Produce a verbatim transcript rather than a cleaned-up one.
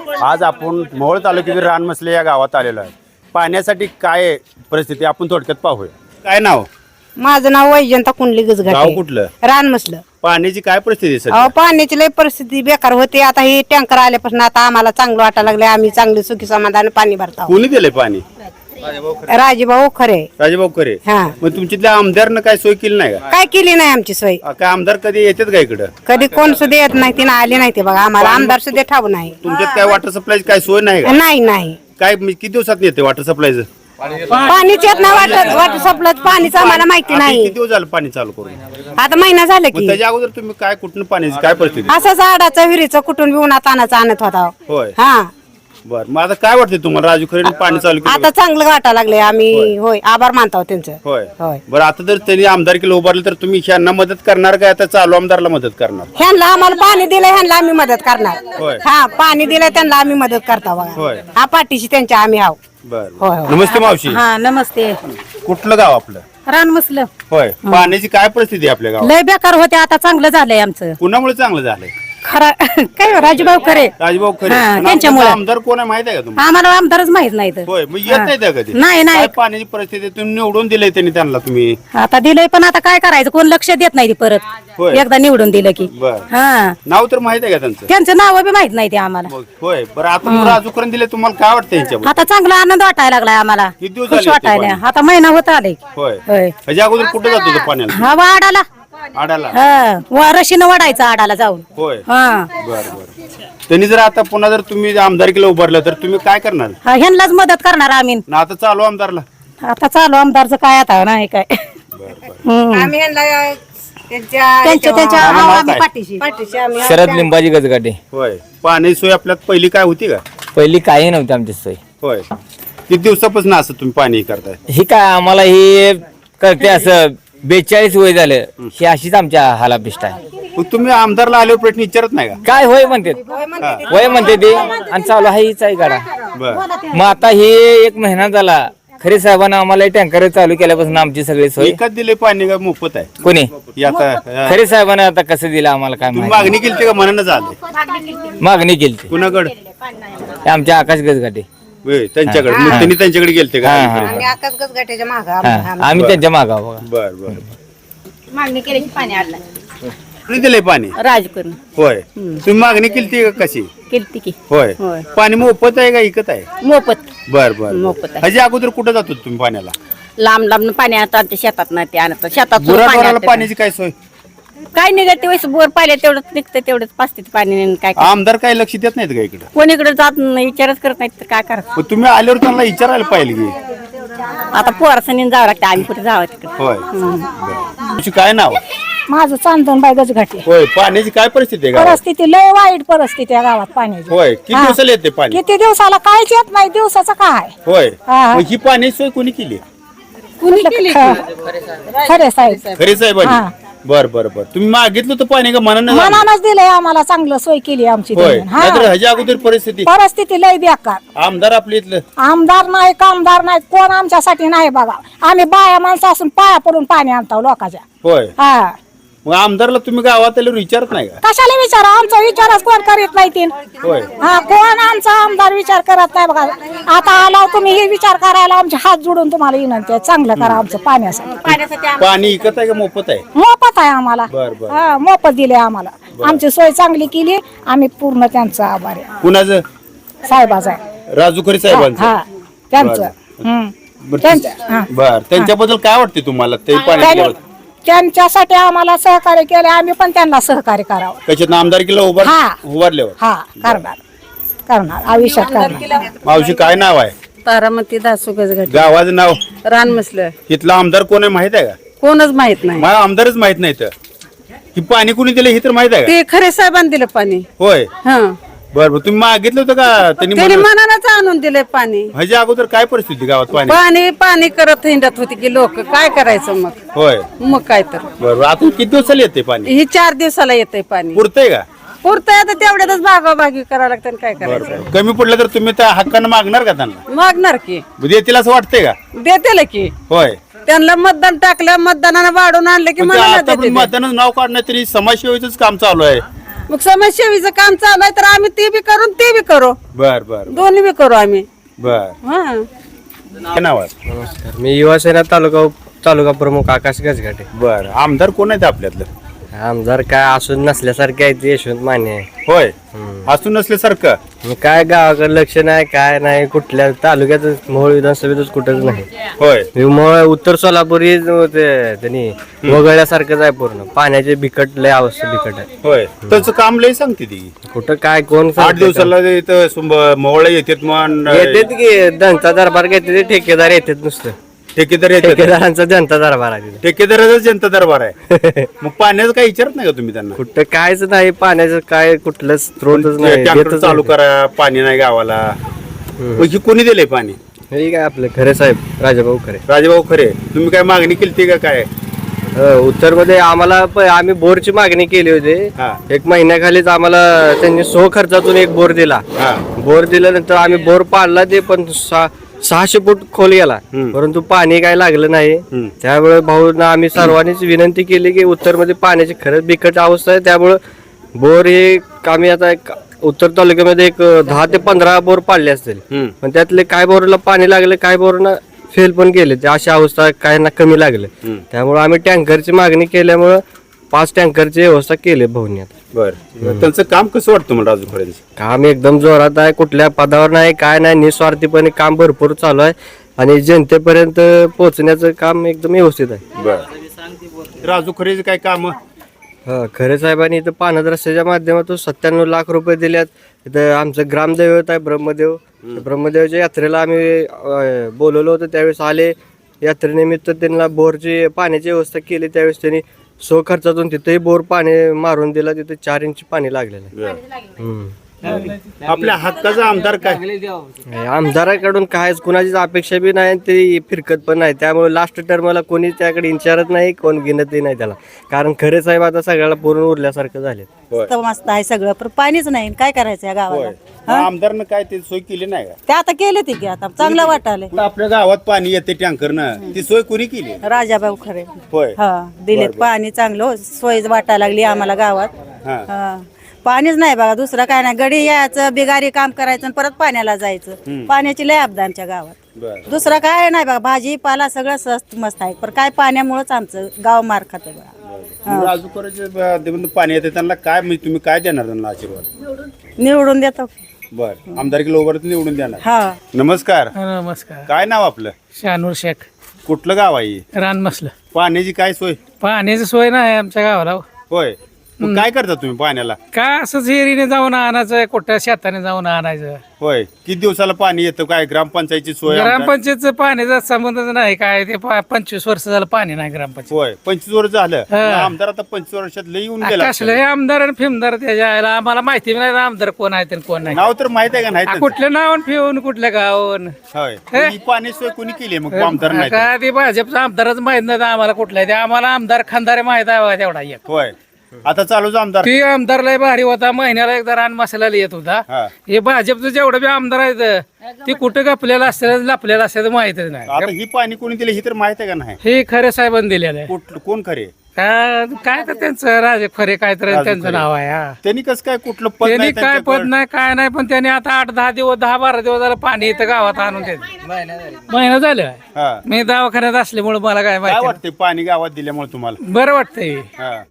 आज आपण मोहोळ तालुक्यातील रानमसले या गावात आलेलो आहे. पाण्यासाठी काय परिस्थिती आपण थोडक्यात पाहूया. काय नाव? माझं नाव वैजंता कुंडली गाव गजघाटे, कुठलं? रानमसलं. पाण्याची काय परिस्थिती आहे सध्या? अहो पाण्याची लय परिस्थिती बेकार होती. आता ही टँकर आल्यापासून आता आम्हाला चांगलं वाटायला लागले. आम्ही चांगली सुखी समाधान पाणी भरतो. कोणी दिलंय पाणी? राजीभाऊ खरे. राजेभाऊ खरे. हा. मग तुमच्यातल्या आमदारनं काय सोय केली नाही का? काय केली नाही आमची सोय. काय आमदार कधी येतात का इकडं? कधी कोण सुद्धा येत नाही, तिने आली नाही ते बघा. आम्हाला आमदार सुद्धा ठाऊ नाही. तुमच्यात काय वॉटर सप्लायची काय सोय नाही का? नाही नाही काय म्हणजे किती दिवसात येते वॉटर सप्लायचं? पाणीच येत नाही. वाटत वाटर सप्लाय पाणीच आम्हाला माहिती आता नाही. किती दिवस झालं पाणी चालू करून? आता महिना झाला मग की त्याच्या अगोदर तुम्ही काय कुठून पाण्याची काय परिस्थिती? असं झाडाचं विहिरीचं कुठून बी उन्हात आणायचं आणत होता. होय. हा बर मग आता काय वाटतंय तुम्हाला? राजू खरे पाणी चालू केलं? आता चांगलं वाटायला लागले. आम्ही होय आभार मानतो त्यांचं. होय होय. बरं आता जर त्यांनी आमदारकीला उभारले तर तुम्ही ह्यांना मदत करणार का आता चालू आमदारला मदत करणार? ह्यांना आम्हाला पाणी दिलं, ह्यांना आम्ही मदत करणार. होय. हा पाणी दिलं त्यांना आम्ही मदत करता बघा. होय. हा पाठीशी त्यांच्या आम्ही हाव. बर होय, होय. नमस्ते मावशी. हा नमस्ते. कुठलं गाव आपलं? रानमसलं. होय. पाण्याची काय परिस्थिती आहे आपल्या गावात? लय बेकार होते, आता चांगलं झालंय आमचं. कुणामुळे चांगलं झालंय? खरा काय हो, राजूभाऊ खरे. राजभाऊ खरे. हा, पण त्यांच्यामुळे. आमचा आमदार कोण आहे माहित आहे का तुम्हाला? आम्हाला आमदारच माहित नाही तर. होय मग येत नाही त्या कधी? नाही, नाही. काय पाण्याची परिस्थिती तुम्ही निवडून दिलंय त्यांनी त्यांना तुम्ही? आता दिलंय पण आता काय करायचं, कोण लक्ष देत नाही ते परत. होय. एकदा निवडून दिलं की. बर हा नाव तर माहित आहे का त्यांचं? त्यांचं नाव बी माहित नाही ते आम्हाला. मग होय बरं आता मग राजू खरे दिले तुम्हाला काय वाटतं यांच्याबद्दल? आता चांगला आनंद वाटायला लागलाय आम्हाला. किती दिवस खुश झाले येते वाटायला. पाणी? आता महिना होत आलाय. होय होय. ह्याच्या अगोदर कुठे जात होतं पाण्याला? हा वाडाला. आडाला. हा वा- रशीनं वाढायचं आडाला जाऊन. होय हा बर बर त्यांनी जर आता पुन्हा जर तुम्ही आमदारकीला उभारलं तर तुम्ही काय करणार? हा, ह्यांनाच मदत करणार आम्ही. ना आता चालू आमदारला? आता चालू आमदारचं काय आता नाही काय. हम्म. आम्ही ह्यांना त्यांच्या त्यांच्या त्यांच्या नाव आम्ही काय? पाठीशी. पाठीशी आम्ही शरद लिंबाजी गजगाटे. होय पाणी सोय आपल्यात पहिली काय होती का? पहिली काही नव्हती आमची सोय. होय किती दिवसापासून असं तुम्ही पाणी करताय? ही काय आम्हाला ही करते असं बेचाळीस वय झालं, ही अशीच आमच्या हालापिष्ट आहे. मग तुम्ही आमदारला आल्यावर प्रश्न विचारत नाही का? काय होय म्हणते वय म्हणते ते आणि चालू आहे हीच आहे गाडा. बर मग आता ही एक महिना झाला खरे साहेबांना आम्हाला टँकर चालू केल्यापासून आमची सगळी सोय. विकत दिले पाणी का मोफत आहे? कोणी हे आता अं, खरे साहेबांना आता कसं दिलं आम्हाला काय तुम्ही माहिती. मागणी केली का मनानं झाले? मागणी केली ती. कुणाकडे? आमच्या आकाश गजगाटे. होय त्यांच्याकडे मग त्यांनी त्यांच्याकडे गेलते का? हा, हा. आम्ही आकाश गजगाट्याच्या माग हा आम्ही त्यांच्या मागा बघा. बर बर मागणी केली की पाणी आलं. कुणी दिले पाणी? राजकरण होय तुम्ही मागणी केली का कशी? केली की होय होय. पाणी मोफत आहे का इकत आहे? मोफत. बर बर मोफत आहे. ह्याच्या अगोदर कुठं जात होते तुम्ही पाण्याला? लांब लांब पाणी आणतात ते शेतात ना ते आणतात शेतात सुद्धा पाणी गुराढोराला आणतात. पाण्याची काय सोय? काय निघते वेळेस बोर पाहिले तेवढंच निघतं तेवढंच पाचते पाणी आणि काय काय आमदार काय लक्ष देत नाहीत का इकडे? कोणीकडे जात नाही विचारच करत नाहीत तर काय करायचं. मग तुम्ही आल्यावर त्यांना विचारायला पाहिजे की. आता पोरासनी जावं लागतं आम्ही कुठे जावं तिकडे. होय बरं. तुमची काय नाव? माझं चांदणबाई गजघाटे. होय पाण्याची काय परिस्थिती आहे गावात? परिस्थिती लय वाईट परिस्थिती आहे गावात पाण्याची. होय किती हा. दिवसाला येते पाणी? किती दिवसाला काहीच येत नाही, दिवसाचं काय. होय हा. मग ही पाणी सोय कोणी केली? कुणी खरे साहेब खरे साहेबांनी? हा. बर बर बर तुम्ही मागितलं होतं पाणी का मनानं? मनानच दिलंय आम्हाला, चांगलं सोय केली आमची होय त्यांनी. हा. नाहीतर ह्याच्या अगोदर परिस्थिती परिस्थिती लय बेकार. आमदार आपल्या इथलं आमदार नाही कामदार नाही कोण आमच्यासाठी नाही बघा. आम्ही बाया माणसं असून पाया पडून पाणी आणतो लोकांच्या. होय हा मग आमदारला तुम्ही गावात आल्यावर विचारत नाही का? कशाला विचारा, आमचा विचारच कोण करीत नाही तीन. होय हा कोण आमचा आमदार विचार करत नाही बघा. आता आला तुम्ही हे विचार करायला आमचे हात जोडून तुम्हाला विनंती आहे, चांगलं करा आमचं पाण्यासाठी. पाणी इकत आहे का मोफत आहे? मोफत आहे आम्हाला. बर बर हा मोफत दिले आम्हाला. आमची सोय चांगली केली, आम्ही पूर्ण त्यांचा आभार आहे. कुणाचं? साहेबाचा आहे. राजू खरे साहेबांचं? हा त्यांचं. बरं. हम्म. बरं, त्यांचं, हा. बर त्यांच्याबद्दल काय वाटते तुम्हाला? ते पाणी त्यांनी- त्यांच्यासाठी आम्हाला सहकार्य केले, आम्ही पण त्यांना सहकार्य करावं. कशात आमदारकीला उभार हा. उभारल्यावर? हा करणार करणार आयुष्यात करणार. मावशी काय नाव आहे? तारामती दासू गजगट गावाचं नाव? रानमसलं. इथला आमदार कोण आहे माहित आहे का? कोणच माहित नाही. मला आमदारच माहित नाही तर ही पाणी कुणी दिलं हे तर माहित आहे का? ते खरे साहेबांनी दिलं पाणी. होय हा बर बर तुम्ही मागितलं होतं का त्यांनी? त्याने म्हणलं- मनानच आणून दिले पाणी. ह्याच्या अगोदर काय परिस्थिती गावात पाणी? पाणी पाणी करत हिंडत होती की लोक काय करायचं मग. होय मग काय तर बरोबर आता किती दिवसाला येते पाणी? ही चार दिवसाला येते पाणी. पुरतंय का? पुरतंय आता तेवढ्यातच भागाभागी करावं लागतं आणि काय करायचं. बरोबर कमी पडलं तर तुम्ही त्या हक्कानं मागणार का त्यांना? मागणार की देतील असं वाटतंय का? देते की होय त्यांना मतदान टाकलं मतदानानं वाढून आणलं की पण ते मला आता पण देते. मतदानाचं नाव काढण्यात तरी समाजसेवेच काम चालू आहे. मग समाजसेवीचं काम चालू आहे तर आम्ही ते बी करू ते बी करू बर बर दोन्ही बी करू आम्ही बर हा काय नाव आहे नमस्कार मी युवासेना तालुका तालुका प्रमुख आकाश गजघाटे. बर आमदार कोण आहेत आपल्यातलं आमदार काय असून नसल्यासारखे आहे ते यशवंत माने आहे. होय असून नसल्यासारखं मग काय गावाकडे लक्ष नाही काय नाही कुठल्या तालुक्यात मोहोळ विधानसभेतच कुठंच नाही. होय हे मोहोळ उत्तर सोलापूर ही ते त्यांनी वगळल्यासारखंच आहे पूर्ण पाण्याचे बिकट लय अवस्था बिकट आहे. होय त्याचं काम लय सांगते ती कुठं काय कोण आठ दिवसाला इथं मोहळा येतात मग येतात की जनता दरबार घेते ठेकेदार येतात नुसतं ठेकेदार येतात ठेकेदारांचा जनता दरबार आहे तिथे. ठेकेदाराचा जनता दरबार आहे मग पाण्याचं काही विचारत नाही का तुम्ही त्यांना कुठं कायच नाही पाण्याचं काय कुठलं स्त्रोतच नाही टँकर देतच चालू नाही. करा पाणी नाही गावाला मग ही कोणी दिलंय पाणी हे काय आपलं खरे साहेब राजाभाऊ खरे. राजेभाऊ खरे तुम्ही काय मागणी केली का काय उत्तर मध्ये आम्हाला प- आम्ही बोरची मागणी केली होती. हा. एक महिन्याखालीच आम्हाला त्यांनी सो खर्चातून एक बोर दिला. हा बोर दिल्यानंतर आम्ही बोर पाडला ते पण सहा- सहाशे फूट खोल गेला परंतु पाणी काय लागलं नाही. त्यामुळे भाऊंना आम्ही सर्वांनीच विनंती केली की उत्तर मध्ये पाण्याची खरंच बिकट अवस्था आहे. त्यामुळे बोर हे आम्ही आता एक उत्तर तालुक्यामध्ये एक दहा ते पंधरा बोर पाडले असतील पण त्यातले काय बोरला पाणी लागले काय बोरना फेल पण गेले ते अशी अवस्था काय ना कमी लागले. त्यामुळे आम्ही टँकरची मागणी केल्यामुळं पाच टँकरची व्यवस्था केली भाऊंनी. आता बर त्यांचं काम कसं वाटतं मला राजू खरेंचं काम एकदम जोरात आहे कुठल्या पदावर नाही काय नाही निस्वार्थीपणे काम भरपूर चालू आहे आणि जनतेपर्यंत पोहोचण्याचं काम एकदम व्यवस्थित आहे. बर राजू खरेचं काय काम हा खरे साहेबांनी इथं पाण्यात रस्त्याच्या माध्यमातून सत्त्याण्णव लाख रुपये दिल्यात. इथं आमचं ग्रामदैवत आहे ब्रह्मदेव. त्या ब्रह्मदेवाच्या यात्रेला आम्ही अं, बोलवलं होतं त्यावेळेस आले यात्रेनिमित्त त्यांना बोरची पाण्याची व्यवस्था केली. त्यावेळेस त्यांनी सो खर्चातून तिथेही बोर पाणी मारून दिला. तिथे चार इंच पाणी लागलेलं आहे. हम्म. आपल्या हक्काचा आमदार काय आमदाराकडून कायच कुणाचीच अपेक्षा बी नाही ते फिरकत पण नाही. त्यामुळे लास्ट टर्मला कोणी त्याकडे विचारत नाही कोण गिनतही नाही त्याला कारण खरे साहेब आता सगळ्याला पूर्ण उरल्यासारखं झाले. तर मस्त आहे सगळं पण पाणीच नाही काय करायचं या गावाला मग आमदारनं काय ते सोय केली नाही का ते आता केले ते की आता चांगलं वाटायला आपल्या गावात पाणी येते टँकरनं ती सोय कोणी केली राजाभाऊ खरे होय हा दिलेत पाणी चांगलं सोय वाटायला लागली आम्हाला गावात. हा हा पाणीच नाही बघा दुसरं काय नाही गडी यायचं बिगारी काम करायचं आणि परत पाण्याला जायचं पाण्याची लय अपदा आमच्या गावात. बर दुसरं काय नाही बघा भाजीपाला सगळं स्वस्त मस्त आहे पण काय पाण्यामुळेच आमचं गाव मार खाते बघा. राजू खरेचे पाणी येते त्यांना काय म्हणजे तुम्ही काय देणार त्यांना आशीर्वाद निवडून देतो बर आमदारकी लोबर निवडून देणार. हा नमस्कार नमस्कार काय नाव आपलं शानूर शेख कुठलं गाव आहे रान मसलं पाण्याची काय सोय पाण्याची सोय नाही आमच्या गावाला होय मग काय करता तुम्ही पाण्याला काय असंच हिरीने जाऊन आणायचं कुठं शेताने जाऊन आणायचं. होय किती दिवसाला पाणी येतं काय ग्रामपंचायतची सोय आमदार? ग्रामपंचायतचं पाण्याचा संबंधच नाही काय ते पा- पंचवीस वर्ष झालं पाणी नाही ग्रामपंचायत. होय पंचवीस वर्ष झालं हा. आमदार आता पंचवीस वर्षात लई येऊन गेला कसलं हे आमदार आणि फिमदार त्याच्या आयला आम्हाला माहिती बी नाही आमदार कोण आहे आणि कोण नाही. नाव तर माहित आहे का नाही आ, त्यांचं? कुठल्या नावान फिवून कुठल्या गावान होय हे? ही पाणी सोय कोणी केली मग आमदार नाही तर? काय ते भाजपचा आमदारच माहित नाही आम्हाला कुठला आहे. ते आम्हाला आमदार खानदार माहित आहे बघा तेवढा एक. होय आता चालूच आमदार ते आमदार लय भारी होता महिन्याला एकदा रान मसाला येत होता. हा. हे भाजपचं जेवढं बी आमदार आहेत ते कुठं गपलेलं असतं लपलेलं असतं माहितच नाही. आता ही पाणी कोणी दिलं ही तर माहित आहे का नाही हे खरे साहेबांनी दिलेलं आहे. कुठ- कोण खरे का- काय तर त्यांचं राजे खरे काय तर राजे त्यांचं खरे. नाव आहे हा. त्यांनी कसं काय कुठलं पद त्यांनी नाही काय त्यांच्याकडं? पद नाही काय नाही पण त्यांनी आता आठ दहा दिवस दहा बारा दिवस झालं पाणी इथं गावात आणून देत महिना झालं हा मी दवाखान्यात असल्यामुळे मला काय काय माहिती वाटतंय पाणी गावात दिल्यामुळे तुम्हाला बरं वाटतंय. हा